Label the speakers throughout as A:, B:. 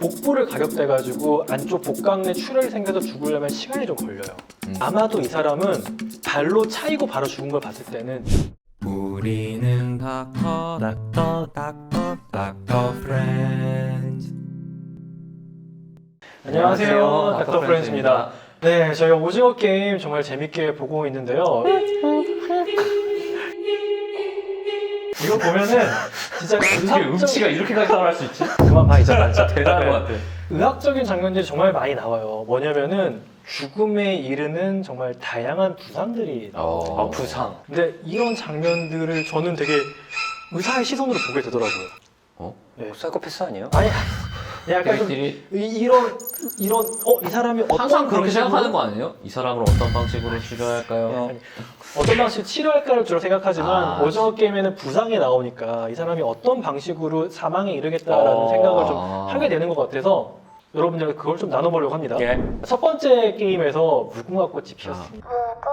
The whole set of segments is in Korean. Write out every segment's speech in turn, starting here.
A: 복부를 가격대가지고 안쪽 복강내 출혈이 생겨서 죽으려면 시간이 좀 걸려요. 아마도 이 사람은 발로 차이고 바로 죽은 걸 봤을 때는
B: 우리는 닥터 프렌즈.
A: 안녕하세요, 닥터 프렌즈입니다. 네, 저희가 오징어 게임 정말 재밌게 보고 있는데요. 이거 보면은 진짜
B: 어떻게 음치가 이렇게까지 따라할 수 있지?
A: 그만 봐, 이제
B: 진짜 대단한 것 같아.
A: 의학적인 장면들이 정말 많이 나와요. 뭐냐면은 죽음에 이르는 정말 다양한 부상들이 나와요.
C: 부상.
A: 근데 이런 장면들을 저는 되게 의사의 시선으로 보게 되더라고요. 네.
C: 사이코패스 아니에요?
A: 아니, 약간 좀
B: 저희들이
A: 이런 이 사람이 어떤
B: 항상 그렇게
A: 방식으로-
B: 생각하는 거 아니에요? 이 사람을 어떤 방식으로 치료해야 할까요?
A: 어떤 방식으로 치료할까를 주로 생각하지만 오징어 게임에는 부상이 나오니까 이 사람이 어떤 방식으로 사망에 이르겠다라는 생각을 좀 하게 되는 것 같아서 여러분들 그걸 좀 나눠보려고 합니다.
C: 예.
A: 첫 번째 게임에서 무궁화 꽃이 피었습니다.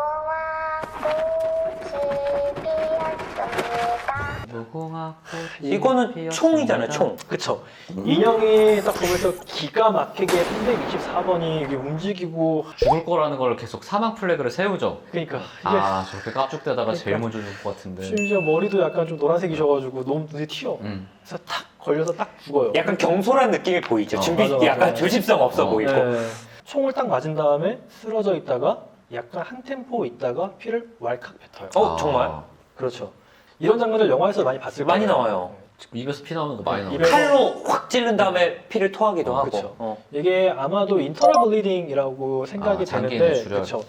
B: 무궁화 꽃이
C: 이거는
B: 피었습니다.
C: 총이잖아요, 총.
A: 그쵸. 인형이 딱 보면서 기가 막히게 324번이 이게 움직이고
B: 죽을 거라는 걸 계속 사망 플래그를 세우죠.
A: 그러니까 이게
B: 아 저렇게 깝죽대다가 제일
A: 그러니까.
B: 먼저 죽을 것 같은데.
A: 심지어 머리도 약간 좀 노란색이셔가지고 너무 눈에 튀어. 그래서 탁 걸려서 딱 죽어요.
C: 약간 경솔한 느낌이 보이죠. 준비
A: 맞아, 맞아.
C: 약간 조심성 없어 보이고.
A: 네. 총을 딱 맞은 다음에 쓰러져 있다가 약간 한 템포 있다가 피를 왈칵 뱉어요.
C: 정말?
A: 그렇죠. 이런 장면들 영화에서 많이 봤을 거예요.
C: 많이 나와요.
B: 입에서 피 나오는 거 많이 나와요.
A: 입에-
C: 칼로 확 찔른 다음에 피를 토하기도 하고.
A: 그쵸. 이게 아마도 인터널 블리딩이라고 생각이
B: 장기의
A: 되는데
B: 출혈.
A: 그렇죠.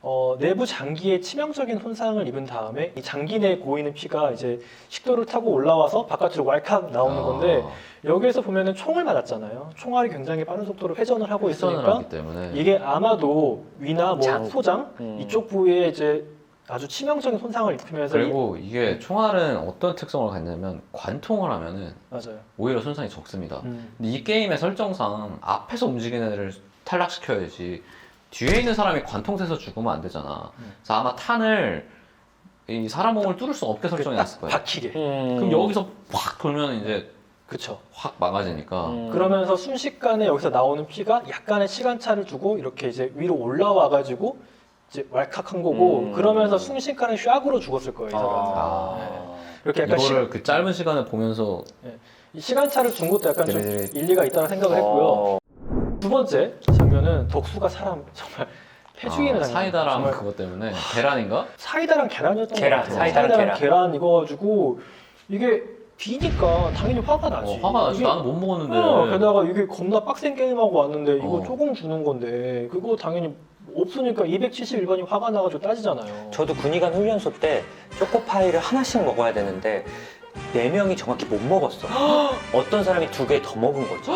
A: 내부 장기에 치명적인 손상을 입은 다음에 이 장기 내에 고이는 피가 이제 식도를 타고 올라와서 바깥으로 왈칵 나오는 건데 여기에서 보면은 총을 맞았잖아요. 총알이 굉장히 빠른 속도로 회전을 하고
B: 회전을
A: 있으니까
B: 하기 때문에
A: 이게 아마도 위나 뭐
C: 장.
A: 소장 이쪽 부위에 이제 아주 치명적인 손상을 입히면서
B: 그리고 이게 총알은 어떤 특성을 갖냐면 관통을 하면은
A: 맞아요.
B: 오히려 손상이 적습니다. 근데 이 게임의 설정상 앞에서 움직이는 애를 탈락시켜야지 뒤에 있는 사람이 관통돼서 죽으면 안 되잖아. 그래서 아마 탄을 이 사람 몸을 뚫을 수 없게 설정해놨을 거예요.
A: 박히게.
B: 그럼 여기서 확 돌면 이제
A: 그렇죠.
B: 확 망가지니까.
A: 그러면서 순식간에 여기서 나오는 피가 약간의 시간차를 두고 이렇게 이제 위로 올라와가지고 이제 왈칵한 거고 그러면서 순식간에 샥으로 죽었을 거예요. 이 사람은. 이렇게 약간
B: 이거를 그 짧은 시간을 보면서
A: 이 시간차를 준 것도 약간 좀
B: 네네네.
A: 일리가 있다는 생각을 했고요. 두 번째 장면은 독수가 사람 정말 패죽이는 장면.
B: 사이다랑
A: 정말
B: 그것 때문에 계란인가?
A: 사이다랑 계란이었던
C: 계란,
A: 것 같아요.
C: 사이다랑
A: 계란 이거 가지고 이게 비니까 당연히 화가 나지.
B: 화가 나지.
A: 이게-
B: 나는 못 먹었는데.
A: 게다가 이게 겁나 빡센 게임하고 왔는데 이거
B: 어.
A: 조금 주는 건데 그거 당연히 없으니까 271번이 화가 나가지고 따지잖아요.
C: 저도 군의관 훈련소 때 초코파이를 하나씩 먹어야 되는데 4명이 정확히 못 먹었어. 어떤 사람이 2개 더 먹은 거지.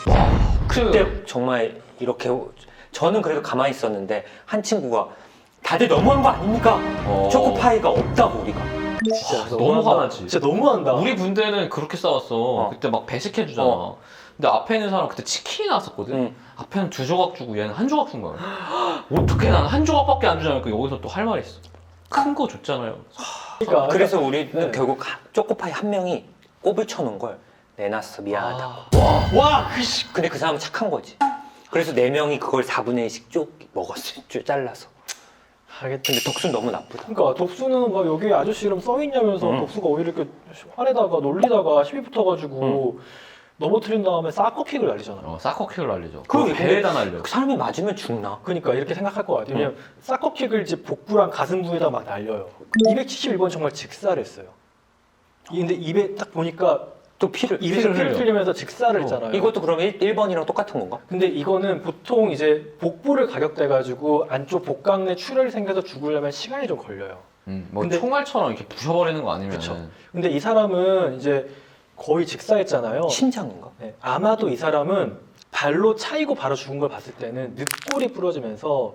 C: 그때 정말 이렇게 저는 그래도 가만히 있었는데 한 친구가 다들 너무한 거 아닙니까? 초코파이가 없다고 우리가.
A: 진짜
B: 너무
A: 너무한다.
B: 화나지.
A: 진짜 너무한다.
B: 우리 군대는 그렇게 싸웠어. 그때 막 배식해주잖아. 근데 앞에 있는 사람 그때 치킨이 나왔었거든. 앞에는 2조각 주고 얘는 1조각 준 거야. 어떻게 나는 1조각밖에 안 주냐니까 여기서 또 할 말이 있어. 큰 거 줬잖아요.
A: 그러니까
C: 그래서 우리는
A: 네.
C: 결국 초코파이 한 명이 꼽을 쳐놓은 걸 내놨어. 미안하다고.
A: 와,
C: 근데 그 사람은 착한 거지. 그래서 4명이 그걸 4분의 1씩 쭉 먹었어. 쭉 잘라서.
A: 알겠다.
C: 근데 독수는 너무 나쁘다.
A: 그러니까 독수는 막 여기 아저씨 이름 써 있냐면서 독수가 오히려 이렇게 화내다가 놀리다가 시비 붙어가지고 넘어뜨린 다음에 사커킥을 날리잖아요.
B: 사커킥을 날리죠.
C: 그러게,
B: 그 배에다 날려.
C: 그 사람이 맞으면 죽나?
A: 그러니까 이렇게 생각할 것 같아요. 왜냐면 사커킥을 이제 복부랑 가슴 부에다 막 날려요. 271번 정말 직살했어요. 근데 입에 딱 보니까
C: 또 피를.
A: 입에서 피를
B: 흘려.
A: 흘리면서 직살을 했잖아요.
C: 이것도 그러면 1번이랑 똑같은 건가?
A: 근데 이거는 보통 이제 복부를 가격대가지고 안쪽 복강내 출혈이 생겨서 죽으려면 시간이 좀 걸려요.
B: 뭐
A: 근데-
B: 총알처럼 이렇게 부셔버리는 거 아니면.
A: 그쵸. 근데 이 사람은 이제 거의 직사했잖아요.
C: 심장인가?
A: 네, 아마도 이 사람은 발로 차이고 바로 죽은 걸 봤을 때는 늑골이 부러지면서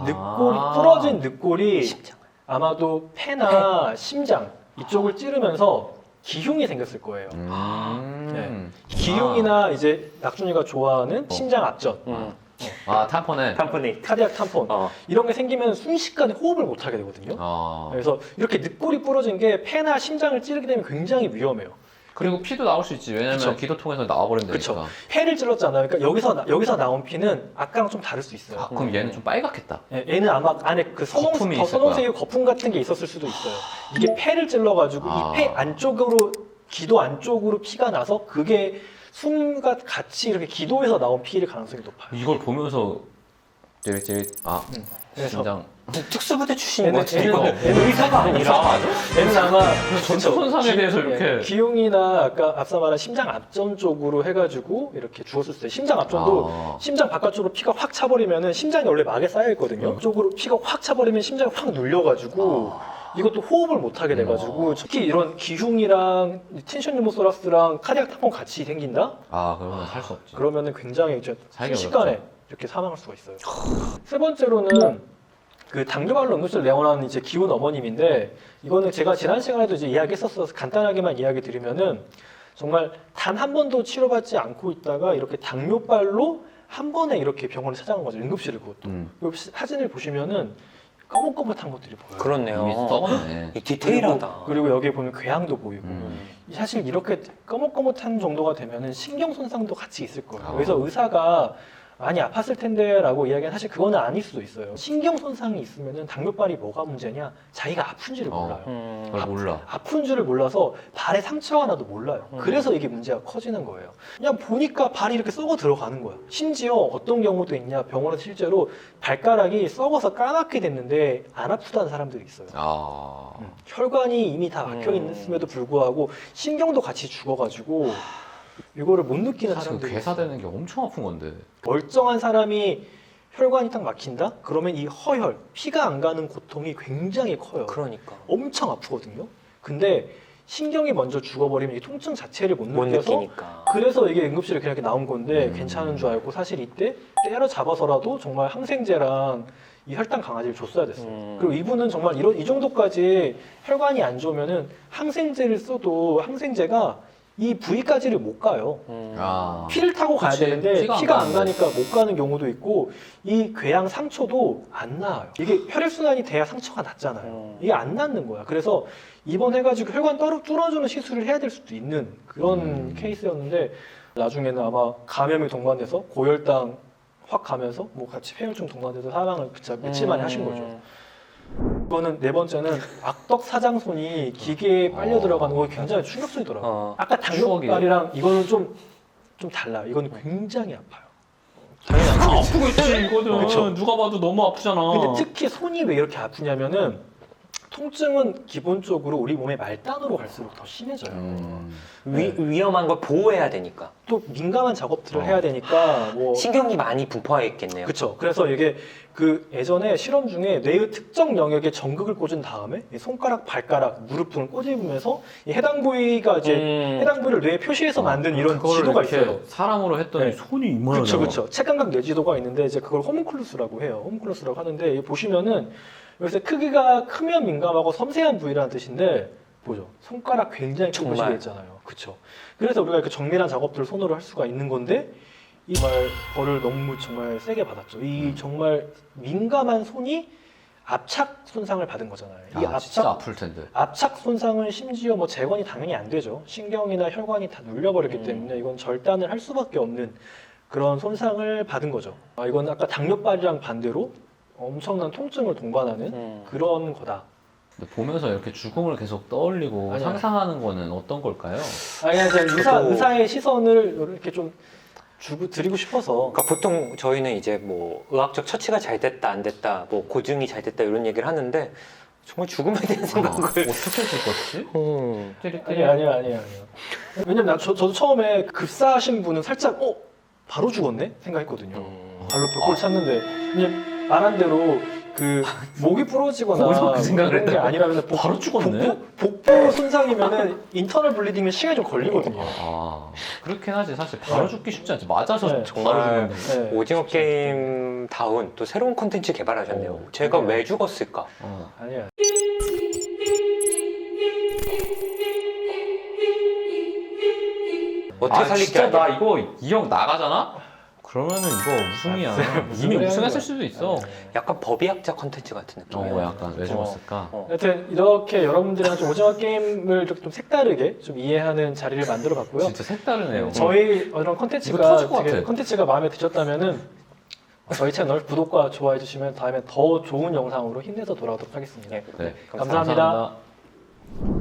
A: 부러진 늑골이
C: 심장.
A: 아마도 폐나 심장 이쪽을 찌르면서 기흉이 생겼을 거예요. 네. 기흉이나 이제 낙준이가 좋아하는 심장 압전,
B: 탐폰에.
C: 탐프네이트.
A: 카디악 탐폰 이런 게 생기면 순식간에 호흡을 못 하게 되거든요. 그래서 이렇게 늑골이 부러진 게 폐나 심장을 찌르게 되면 굉장히 위험해요.
B: 그리고 피도 나올 수 있지. 왜냐면
A: 그쵸.
B: 기도 통해서 나와버리면
A: 그쵸.
B: 되니까.
A: 폐를 찔렀잖아요. 그러니까 여기서 나온 피는 아까랑 좀 다를 수 있어요.
B: 아, 그럼 얘는 좀 빨갛겠다.
A: 예, 얘는 아마 안에 그
B: 거품이 있을
A: 선홍색의 거품 같은 게 있었을 수도 있어요. 이게 폐를 찔러가지고
B: 아.
A: 이 폐 안쪽으로 기도 안쪽으로 피가 나서 그게 숨과 같이 이렇게 기도에서 나온 피일 가능성이 높아요.
B: 이걸 보면서 찌릿찌릿
A: 그래서
B: 심장
C: 특수부대 출신인 것 같아.
A: 얘는
C: 이거.
A: 의사가 아니라 얘는 아마
B: 전투 손상에 대해서 이렇게
A: 기흉이나 아까 앞서 말한 심장 앞전 쪽으로 해가지고 이렇게 죽었을 때 심장 앞전도 심장 바깥쪽으로 피가 확 차버리면은 심장이 원래 막에 쌓여 있거든요. 쪽으로 피가 확 차버리면 심장이 확 눌려가지고 이것도 호흡을 못 하게 돼가지고 특히 이런 기흉이랑 텐션 유모소라스랑 카디악 타폰 같이 생긴다?
B: 그러면 살 수 없지.
A: 그러면은 굉장히 이제
B: 살기
A: 순식간에
B: 어렵죠.
A: 이렇게 사망할 수가 있어요. 세 번째로는 그 당뇨발로 응급실 내원하는 이제 기혼 어머님인데 이거는 제가 지난 시간에도 이제 이야기했었어서 간단하게만 이야기 드리면은 정말 단 한 번도 치료받지 않고 있다가 이렇게 당뇨발로 한 번에 이렇게 병원을 찾아간 거죠. 응급실을 그것도. 이 사진을 보시면은 거뭇거뭇한 것들이 보여요.
C: 그렇네요.
B: 이미 썩었네.
C: 이 디테일하다.
A: 그리고 여기에 보면 궤양도 보이고
B: 음.
A: 사실 이렇게 거뭇거뭇한 정도가 되면은 신경 손상도 같이 있을 거예요.
B: 아.
A: 그래서 의사가 많이 아팠을 텐데라고 이야기는 사실 그거는 아닐 수도 있어요. 신경 손상이 있으면은 당뇨발이 뭐가 문제냐? 자기가 아픈지를 몰라요.
B: 그걸 몰라.
A: 아픈 줄을 몰라서 발에 상처가 나도 몰라요.
C: 음.
A: 그래서 이게 문제가 커지는 거예요. 그냥 보니까 발이 이렇게 썩어 들어가는 거야. 심지어 어떤 경우도 있냐? 병원에서 실제로 발가락이 썩어서 까맣게 됐는데 안 아프다는 사람들이 있어요. 혈관이 이미 다 막혀 있음에도 불구하고 신경도 같이 죽어가지고 이거를 못 느끼는
B: 사실
A: 사람들이 있어요.
B: 괴사되는 게 엄청 아픈 건데.
A: 멀쩡한 사람이 혈관이 딱 막힌다? 그러면 이 허혈, 피가 안 가는 고통이 굉장히 커요.
C: 그러니까.
A: 엄청 아프거든요. 근데 신경이 먼저 죽어버리면 이 통증 자체를 못
C: 못
A: 느껴서
C: 느끼니까.
A: 그래서 이게 응급실에 그냥 이렇게 나온 건데 괜찮은 줄 알고 사실 이때 때려잡아서라도 정말 항생제랑 이 혈당 강아지를 줬어야 됐어요. 그리고 이분은 정말 이 정도까지 혈관이 안 좋으면은 항생제를 써도 항생제가 이 부위까지를 못 가요. 피를 타고 가야
B: 그치.
A: 되는데
B: 피가 안
A: 피가 안
B: 가는데.
A: 가니까 못 가는 경우도 있고 이 궤양 상처도 안 나아요. 이게 혈액순환이 돼야 상처가 낫잖아요. 이게 안 낫는 거야. 그래서 입원해가지고 혈관 뚫어주는 시술을 해야 될 수도 있는 그런 케이스였는데 나중에는 아마 감염이 동반돼서 고혈당 확 가면서 뭐 같이 폐혈증 동반돼서 사망을 진짜 며칠 만에 하신 거죠. 이거는 네 번째는 악덕 사장손이 기계에 빨려 들어가는 거 굉장히 충격적이더라고요. 아까 당뇨발이랑 이거는 좀 달라요. 이건 굉장히 아파요. 당연히
B: 아프겠지 이거는.
A: 그쵸.
B: 누가 봐도 너무 아프잖아.
A: 근데 특히 손이 왜 이렇게 아프냐면은 통증은 기본적으로 우리 몸의 말단으로 갈수록 더 심해져요.
C: 위험한 걸 보호해야 되니까.
A: 또 민감한 작업들을 해야 되니까 뭐
C: 신경이 많이 분포해 있겠네요.
A: 그렇죠. 그래서 이게 그 예전에 실험 중에 뇌의 특정 영역에 전극을 꽂은 다음에 이 손가락, 발가락, 무릎 등을 꼬집으면서 이 해당 부위가 이제 해당 부위를 뇌에 표시해서 만든 이런
B: 그거를
A: 지도가
B: 이렇게
A: 있어요.
B: 사람으로 했더니
A: 네.
B: 손이 이만하잖아.
A: 그렇죠, 그렇죠. 체감각 뇌지도가 있는데 이제 그걸 호문클루스라고 해요. 호문클루스라고 하는데 여기 보시면은 여기서 크기가 크면 민감하고 섬세한 부위라는 뜻인데 보죠. 손가락 굉장히 큰 표시가
C: 정말.
A: 있잖아요. 그렇죠. 그래서 우리가 이렇게 정밀한 작업들을 손으로 할 수가 있는 건데 이 정말 벌을 너무 정말 세게 받았죠. 이 정말 민감한 손이 압착 손상을 받은 거잖아요. 이
B: 진짜 아플 텐데.
A: 압착 손상은 심지어 뭐 재건이 당연히 안 되죠. 신경이나 혈관이 다 눌려버렸기 때문에 이건 절단을 할 수밖에 없는 그런 손상을 받은 거죠. 이건 아까 당뇨발이랑 반대로 엄청난 통증을 동반하는 그런 거다.
B: 근데 보면서 이렇게 죽음을 계속 떠올리고
A: 아니야.
B: 상상하는 거는 어떤 걸까요?
A: 그냥
C: 저도-
A: 의사의 시선을 이렇게 좀 드리고 싶어서.
C: 그러니까 보통 저희는 이제 뭐 의학적 처치가 잘 됐다 안 됐다 뭐 고증이 잘 됐다 이런 얘기를 하는데 정말 죽음에 대한 생각을
B: 어떻게 죽었지? 찌릿찌릿.
A: 아니야. 왜냐면 저도 처음에 급사하신 분은 살짝 바로 죽었네 생각했거든요. 발로 벽골 찼는데 그냥 말한 대로 그 목이 부러지거나
B: 거기서 그 생각을
A: 그런 게
B: 했다고?
A: 아니라면
B: 바로 죽었네?
A: 복부 손상이면은 인터널 블리딩은 시간이 좀 걸리거든요.
B: 그렇긴 하지. 사실 바로 죽기 쉽지 않지. 맞아서
A: 네.
B: 바로
C: 정말
B: 죽는데.
A: 네.
C: 오징어 게임 다운 또 새로운 콘텐츠 개발하셨네요. 제가
A: 네.
C: 왜 죽었을까?
A: 아니야.
C: 어떻게 살릴 게
B: 진짜
C: 아니야.
B: 나 이거 이 형 나가잖아? 그러면은 이거 우승이야.
A: 무슨
B: 이미
A: 소리
B: 우승했을
A: 하는
B: 수도 있어.
C: 약간 법의학자 컨텐츠 같은 느낌이야.
B: 약간 왜 죽었을까?
A: 하여튼 이렇게 여러분들이랑 좀 오징어 게임을 좀 색다르게 좀 이해하는 자리를 만들어 봤고요.
B: 진짜 색다르네요.
A: 저희 이런
B: 이거
A: 컨텐츠가
B: 터질 것
A: 되게
B: 같아.
A: 컨텐츠가 마음에 드셨다면은 저희 채널 구독과 좋아해 주시면 다음에 더 좋은 영상으로 힘내서 돌아오도록 하겠습니다.
C: 네.
A: 감사합니다.
B: 감사합니다.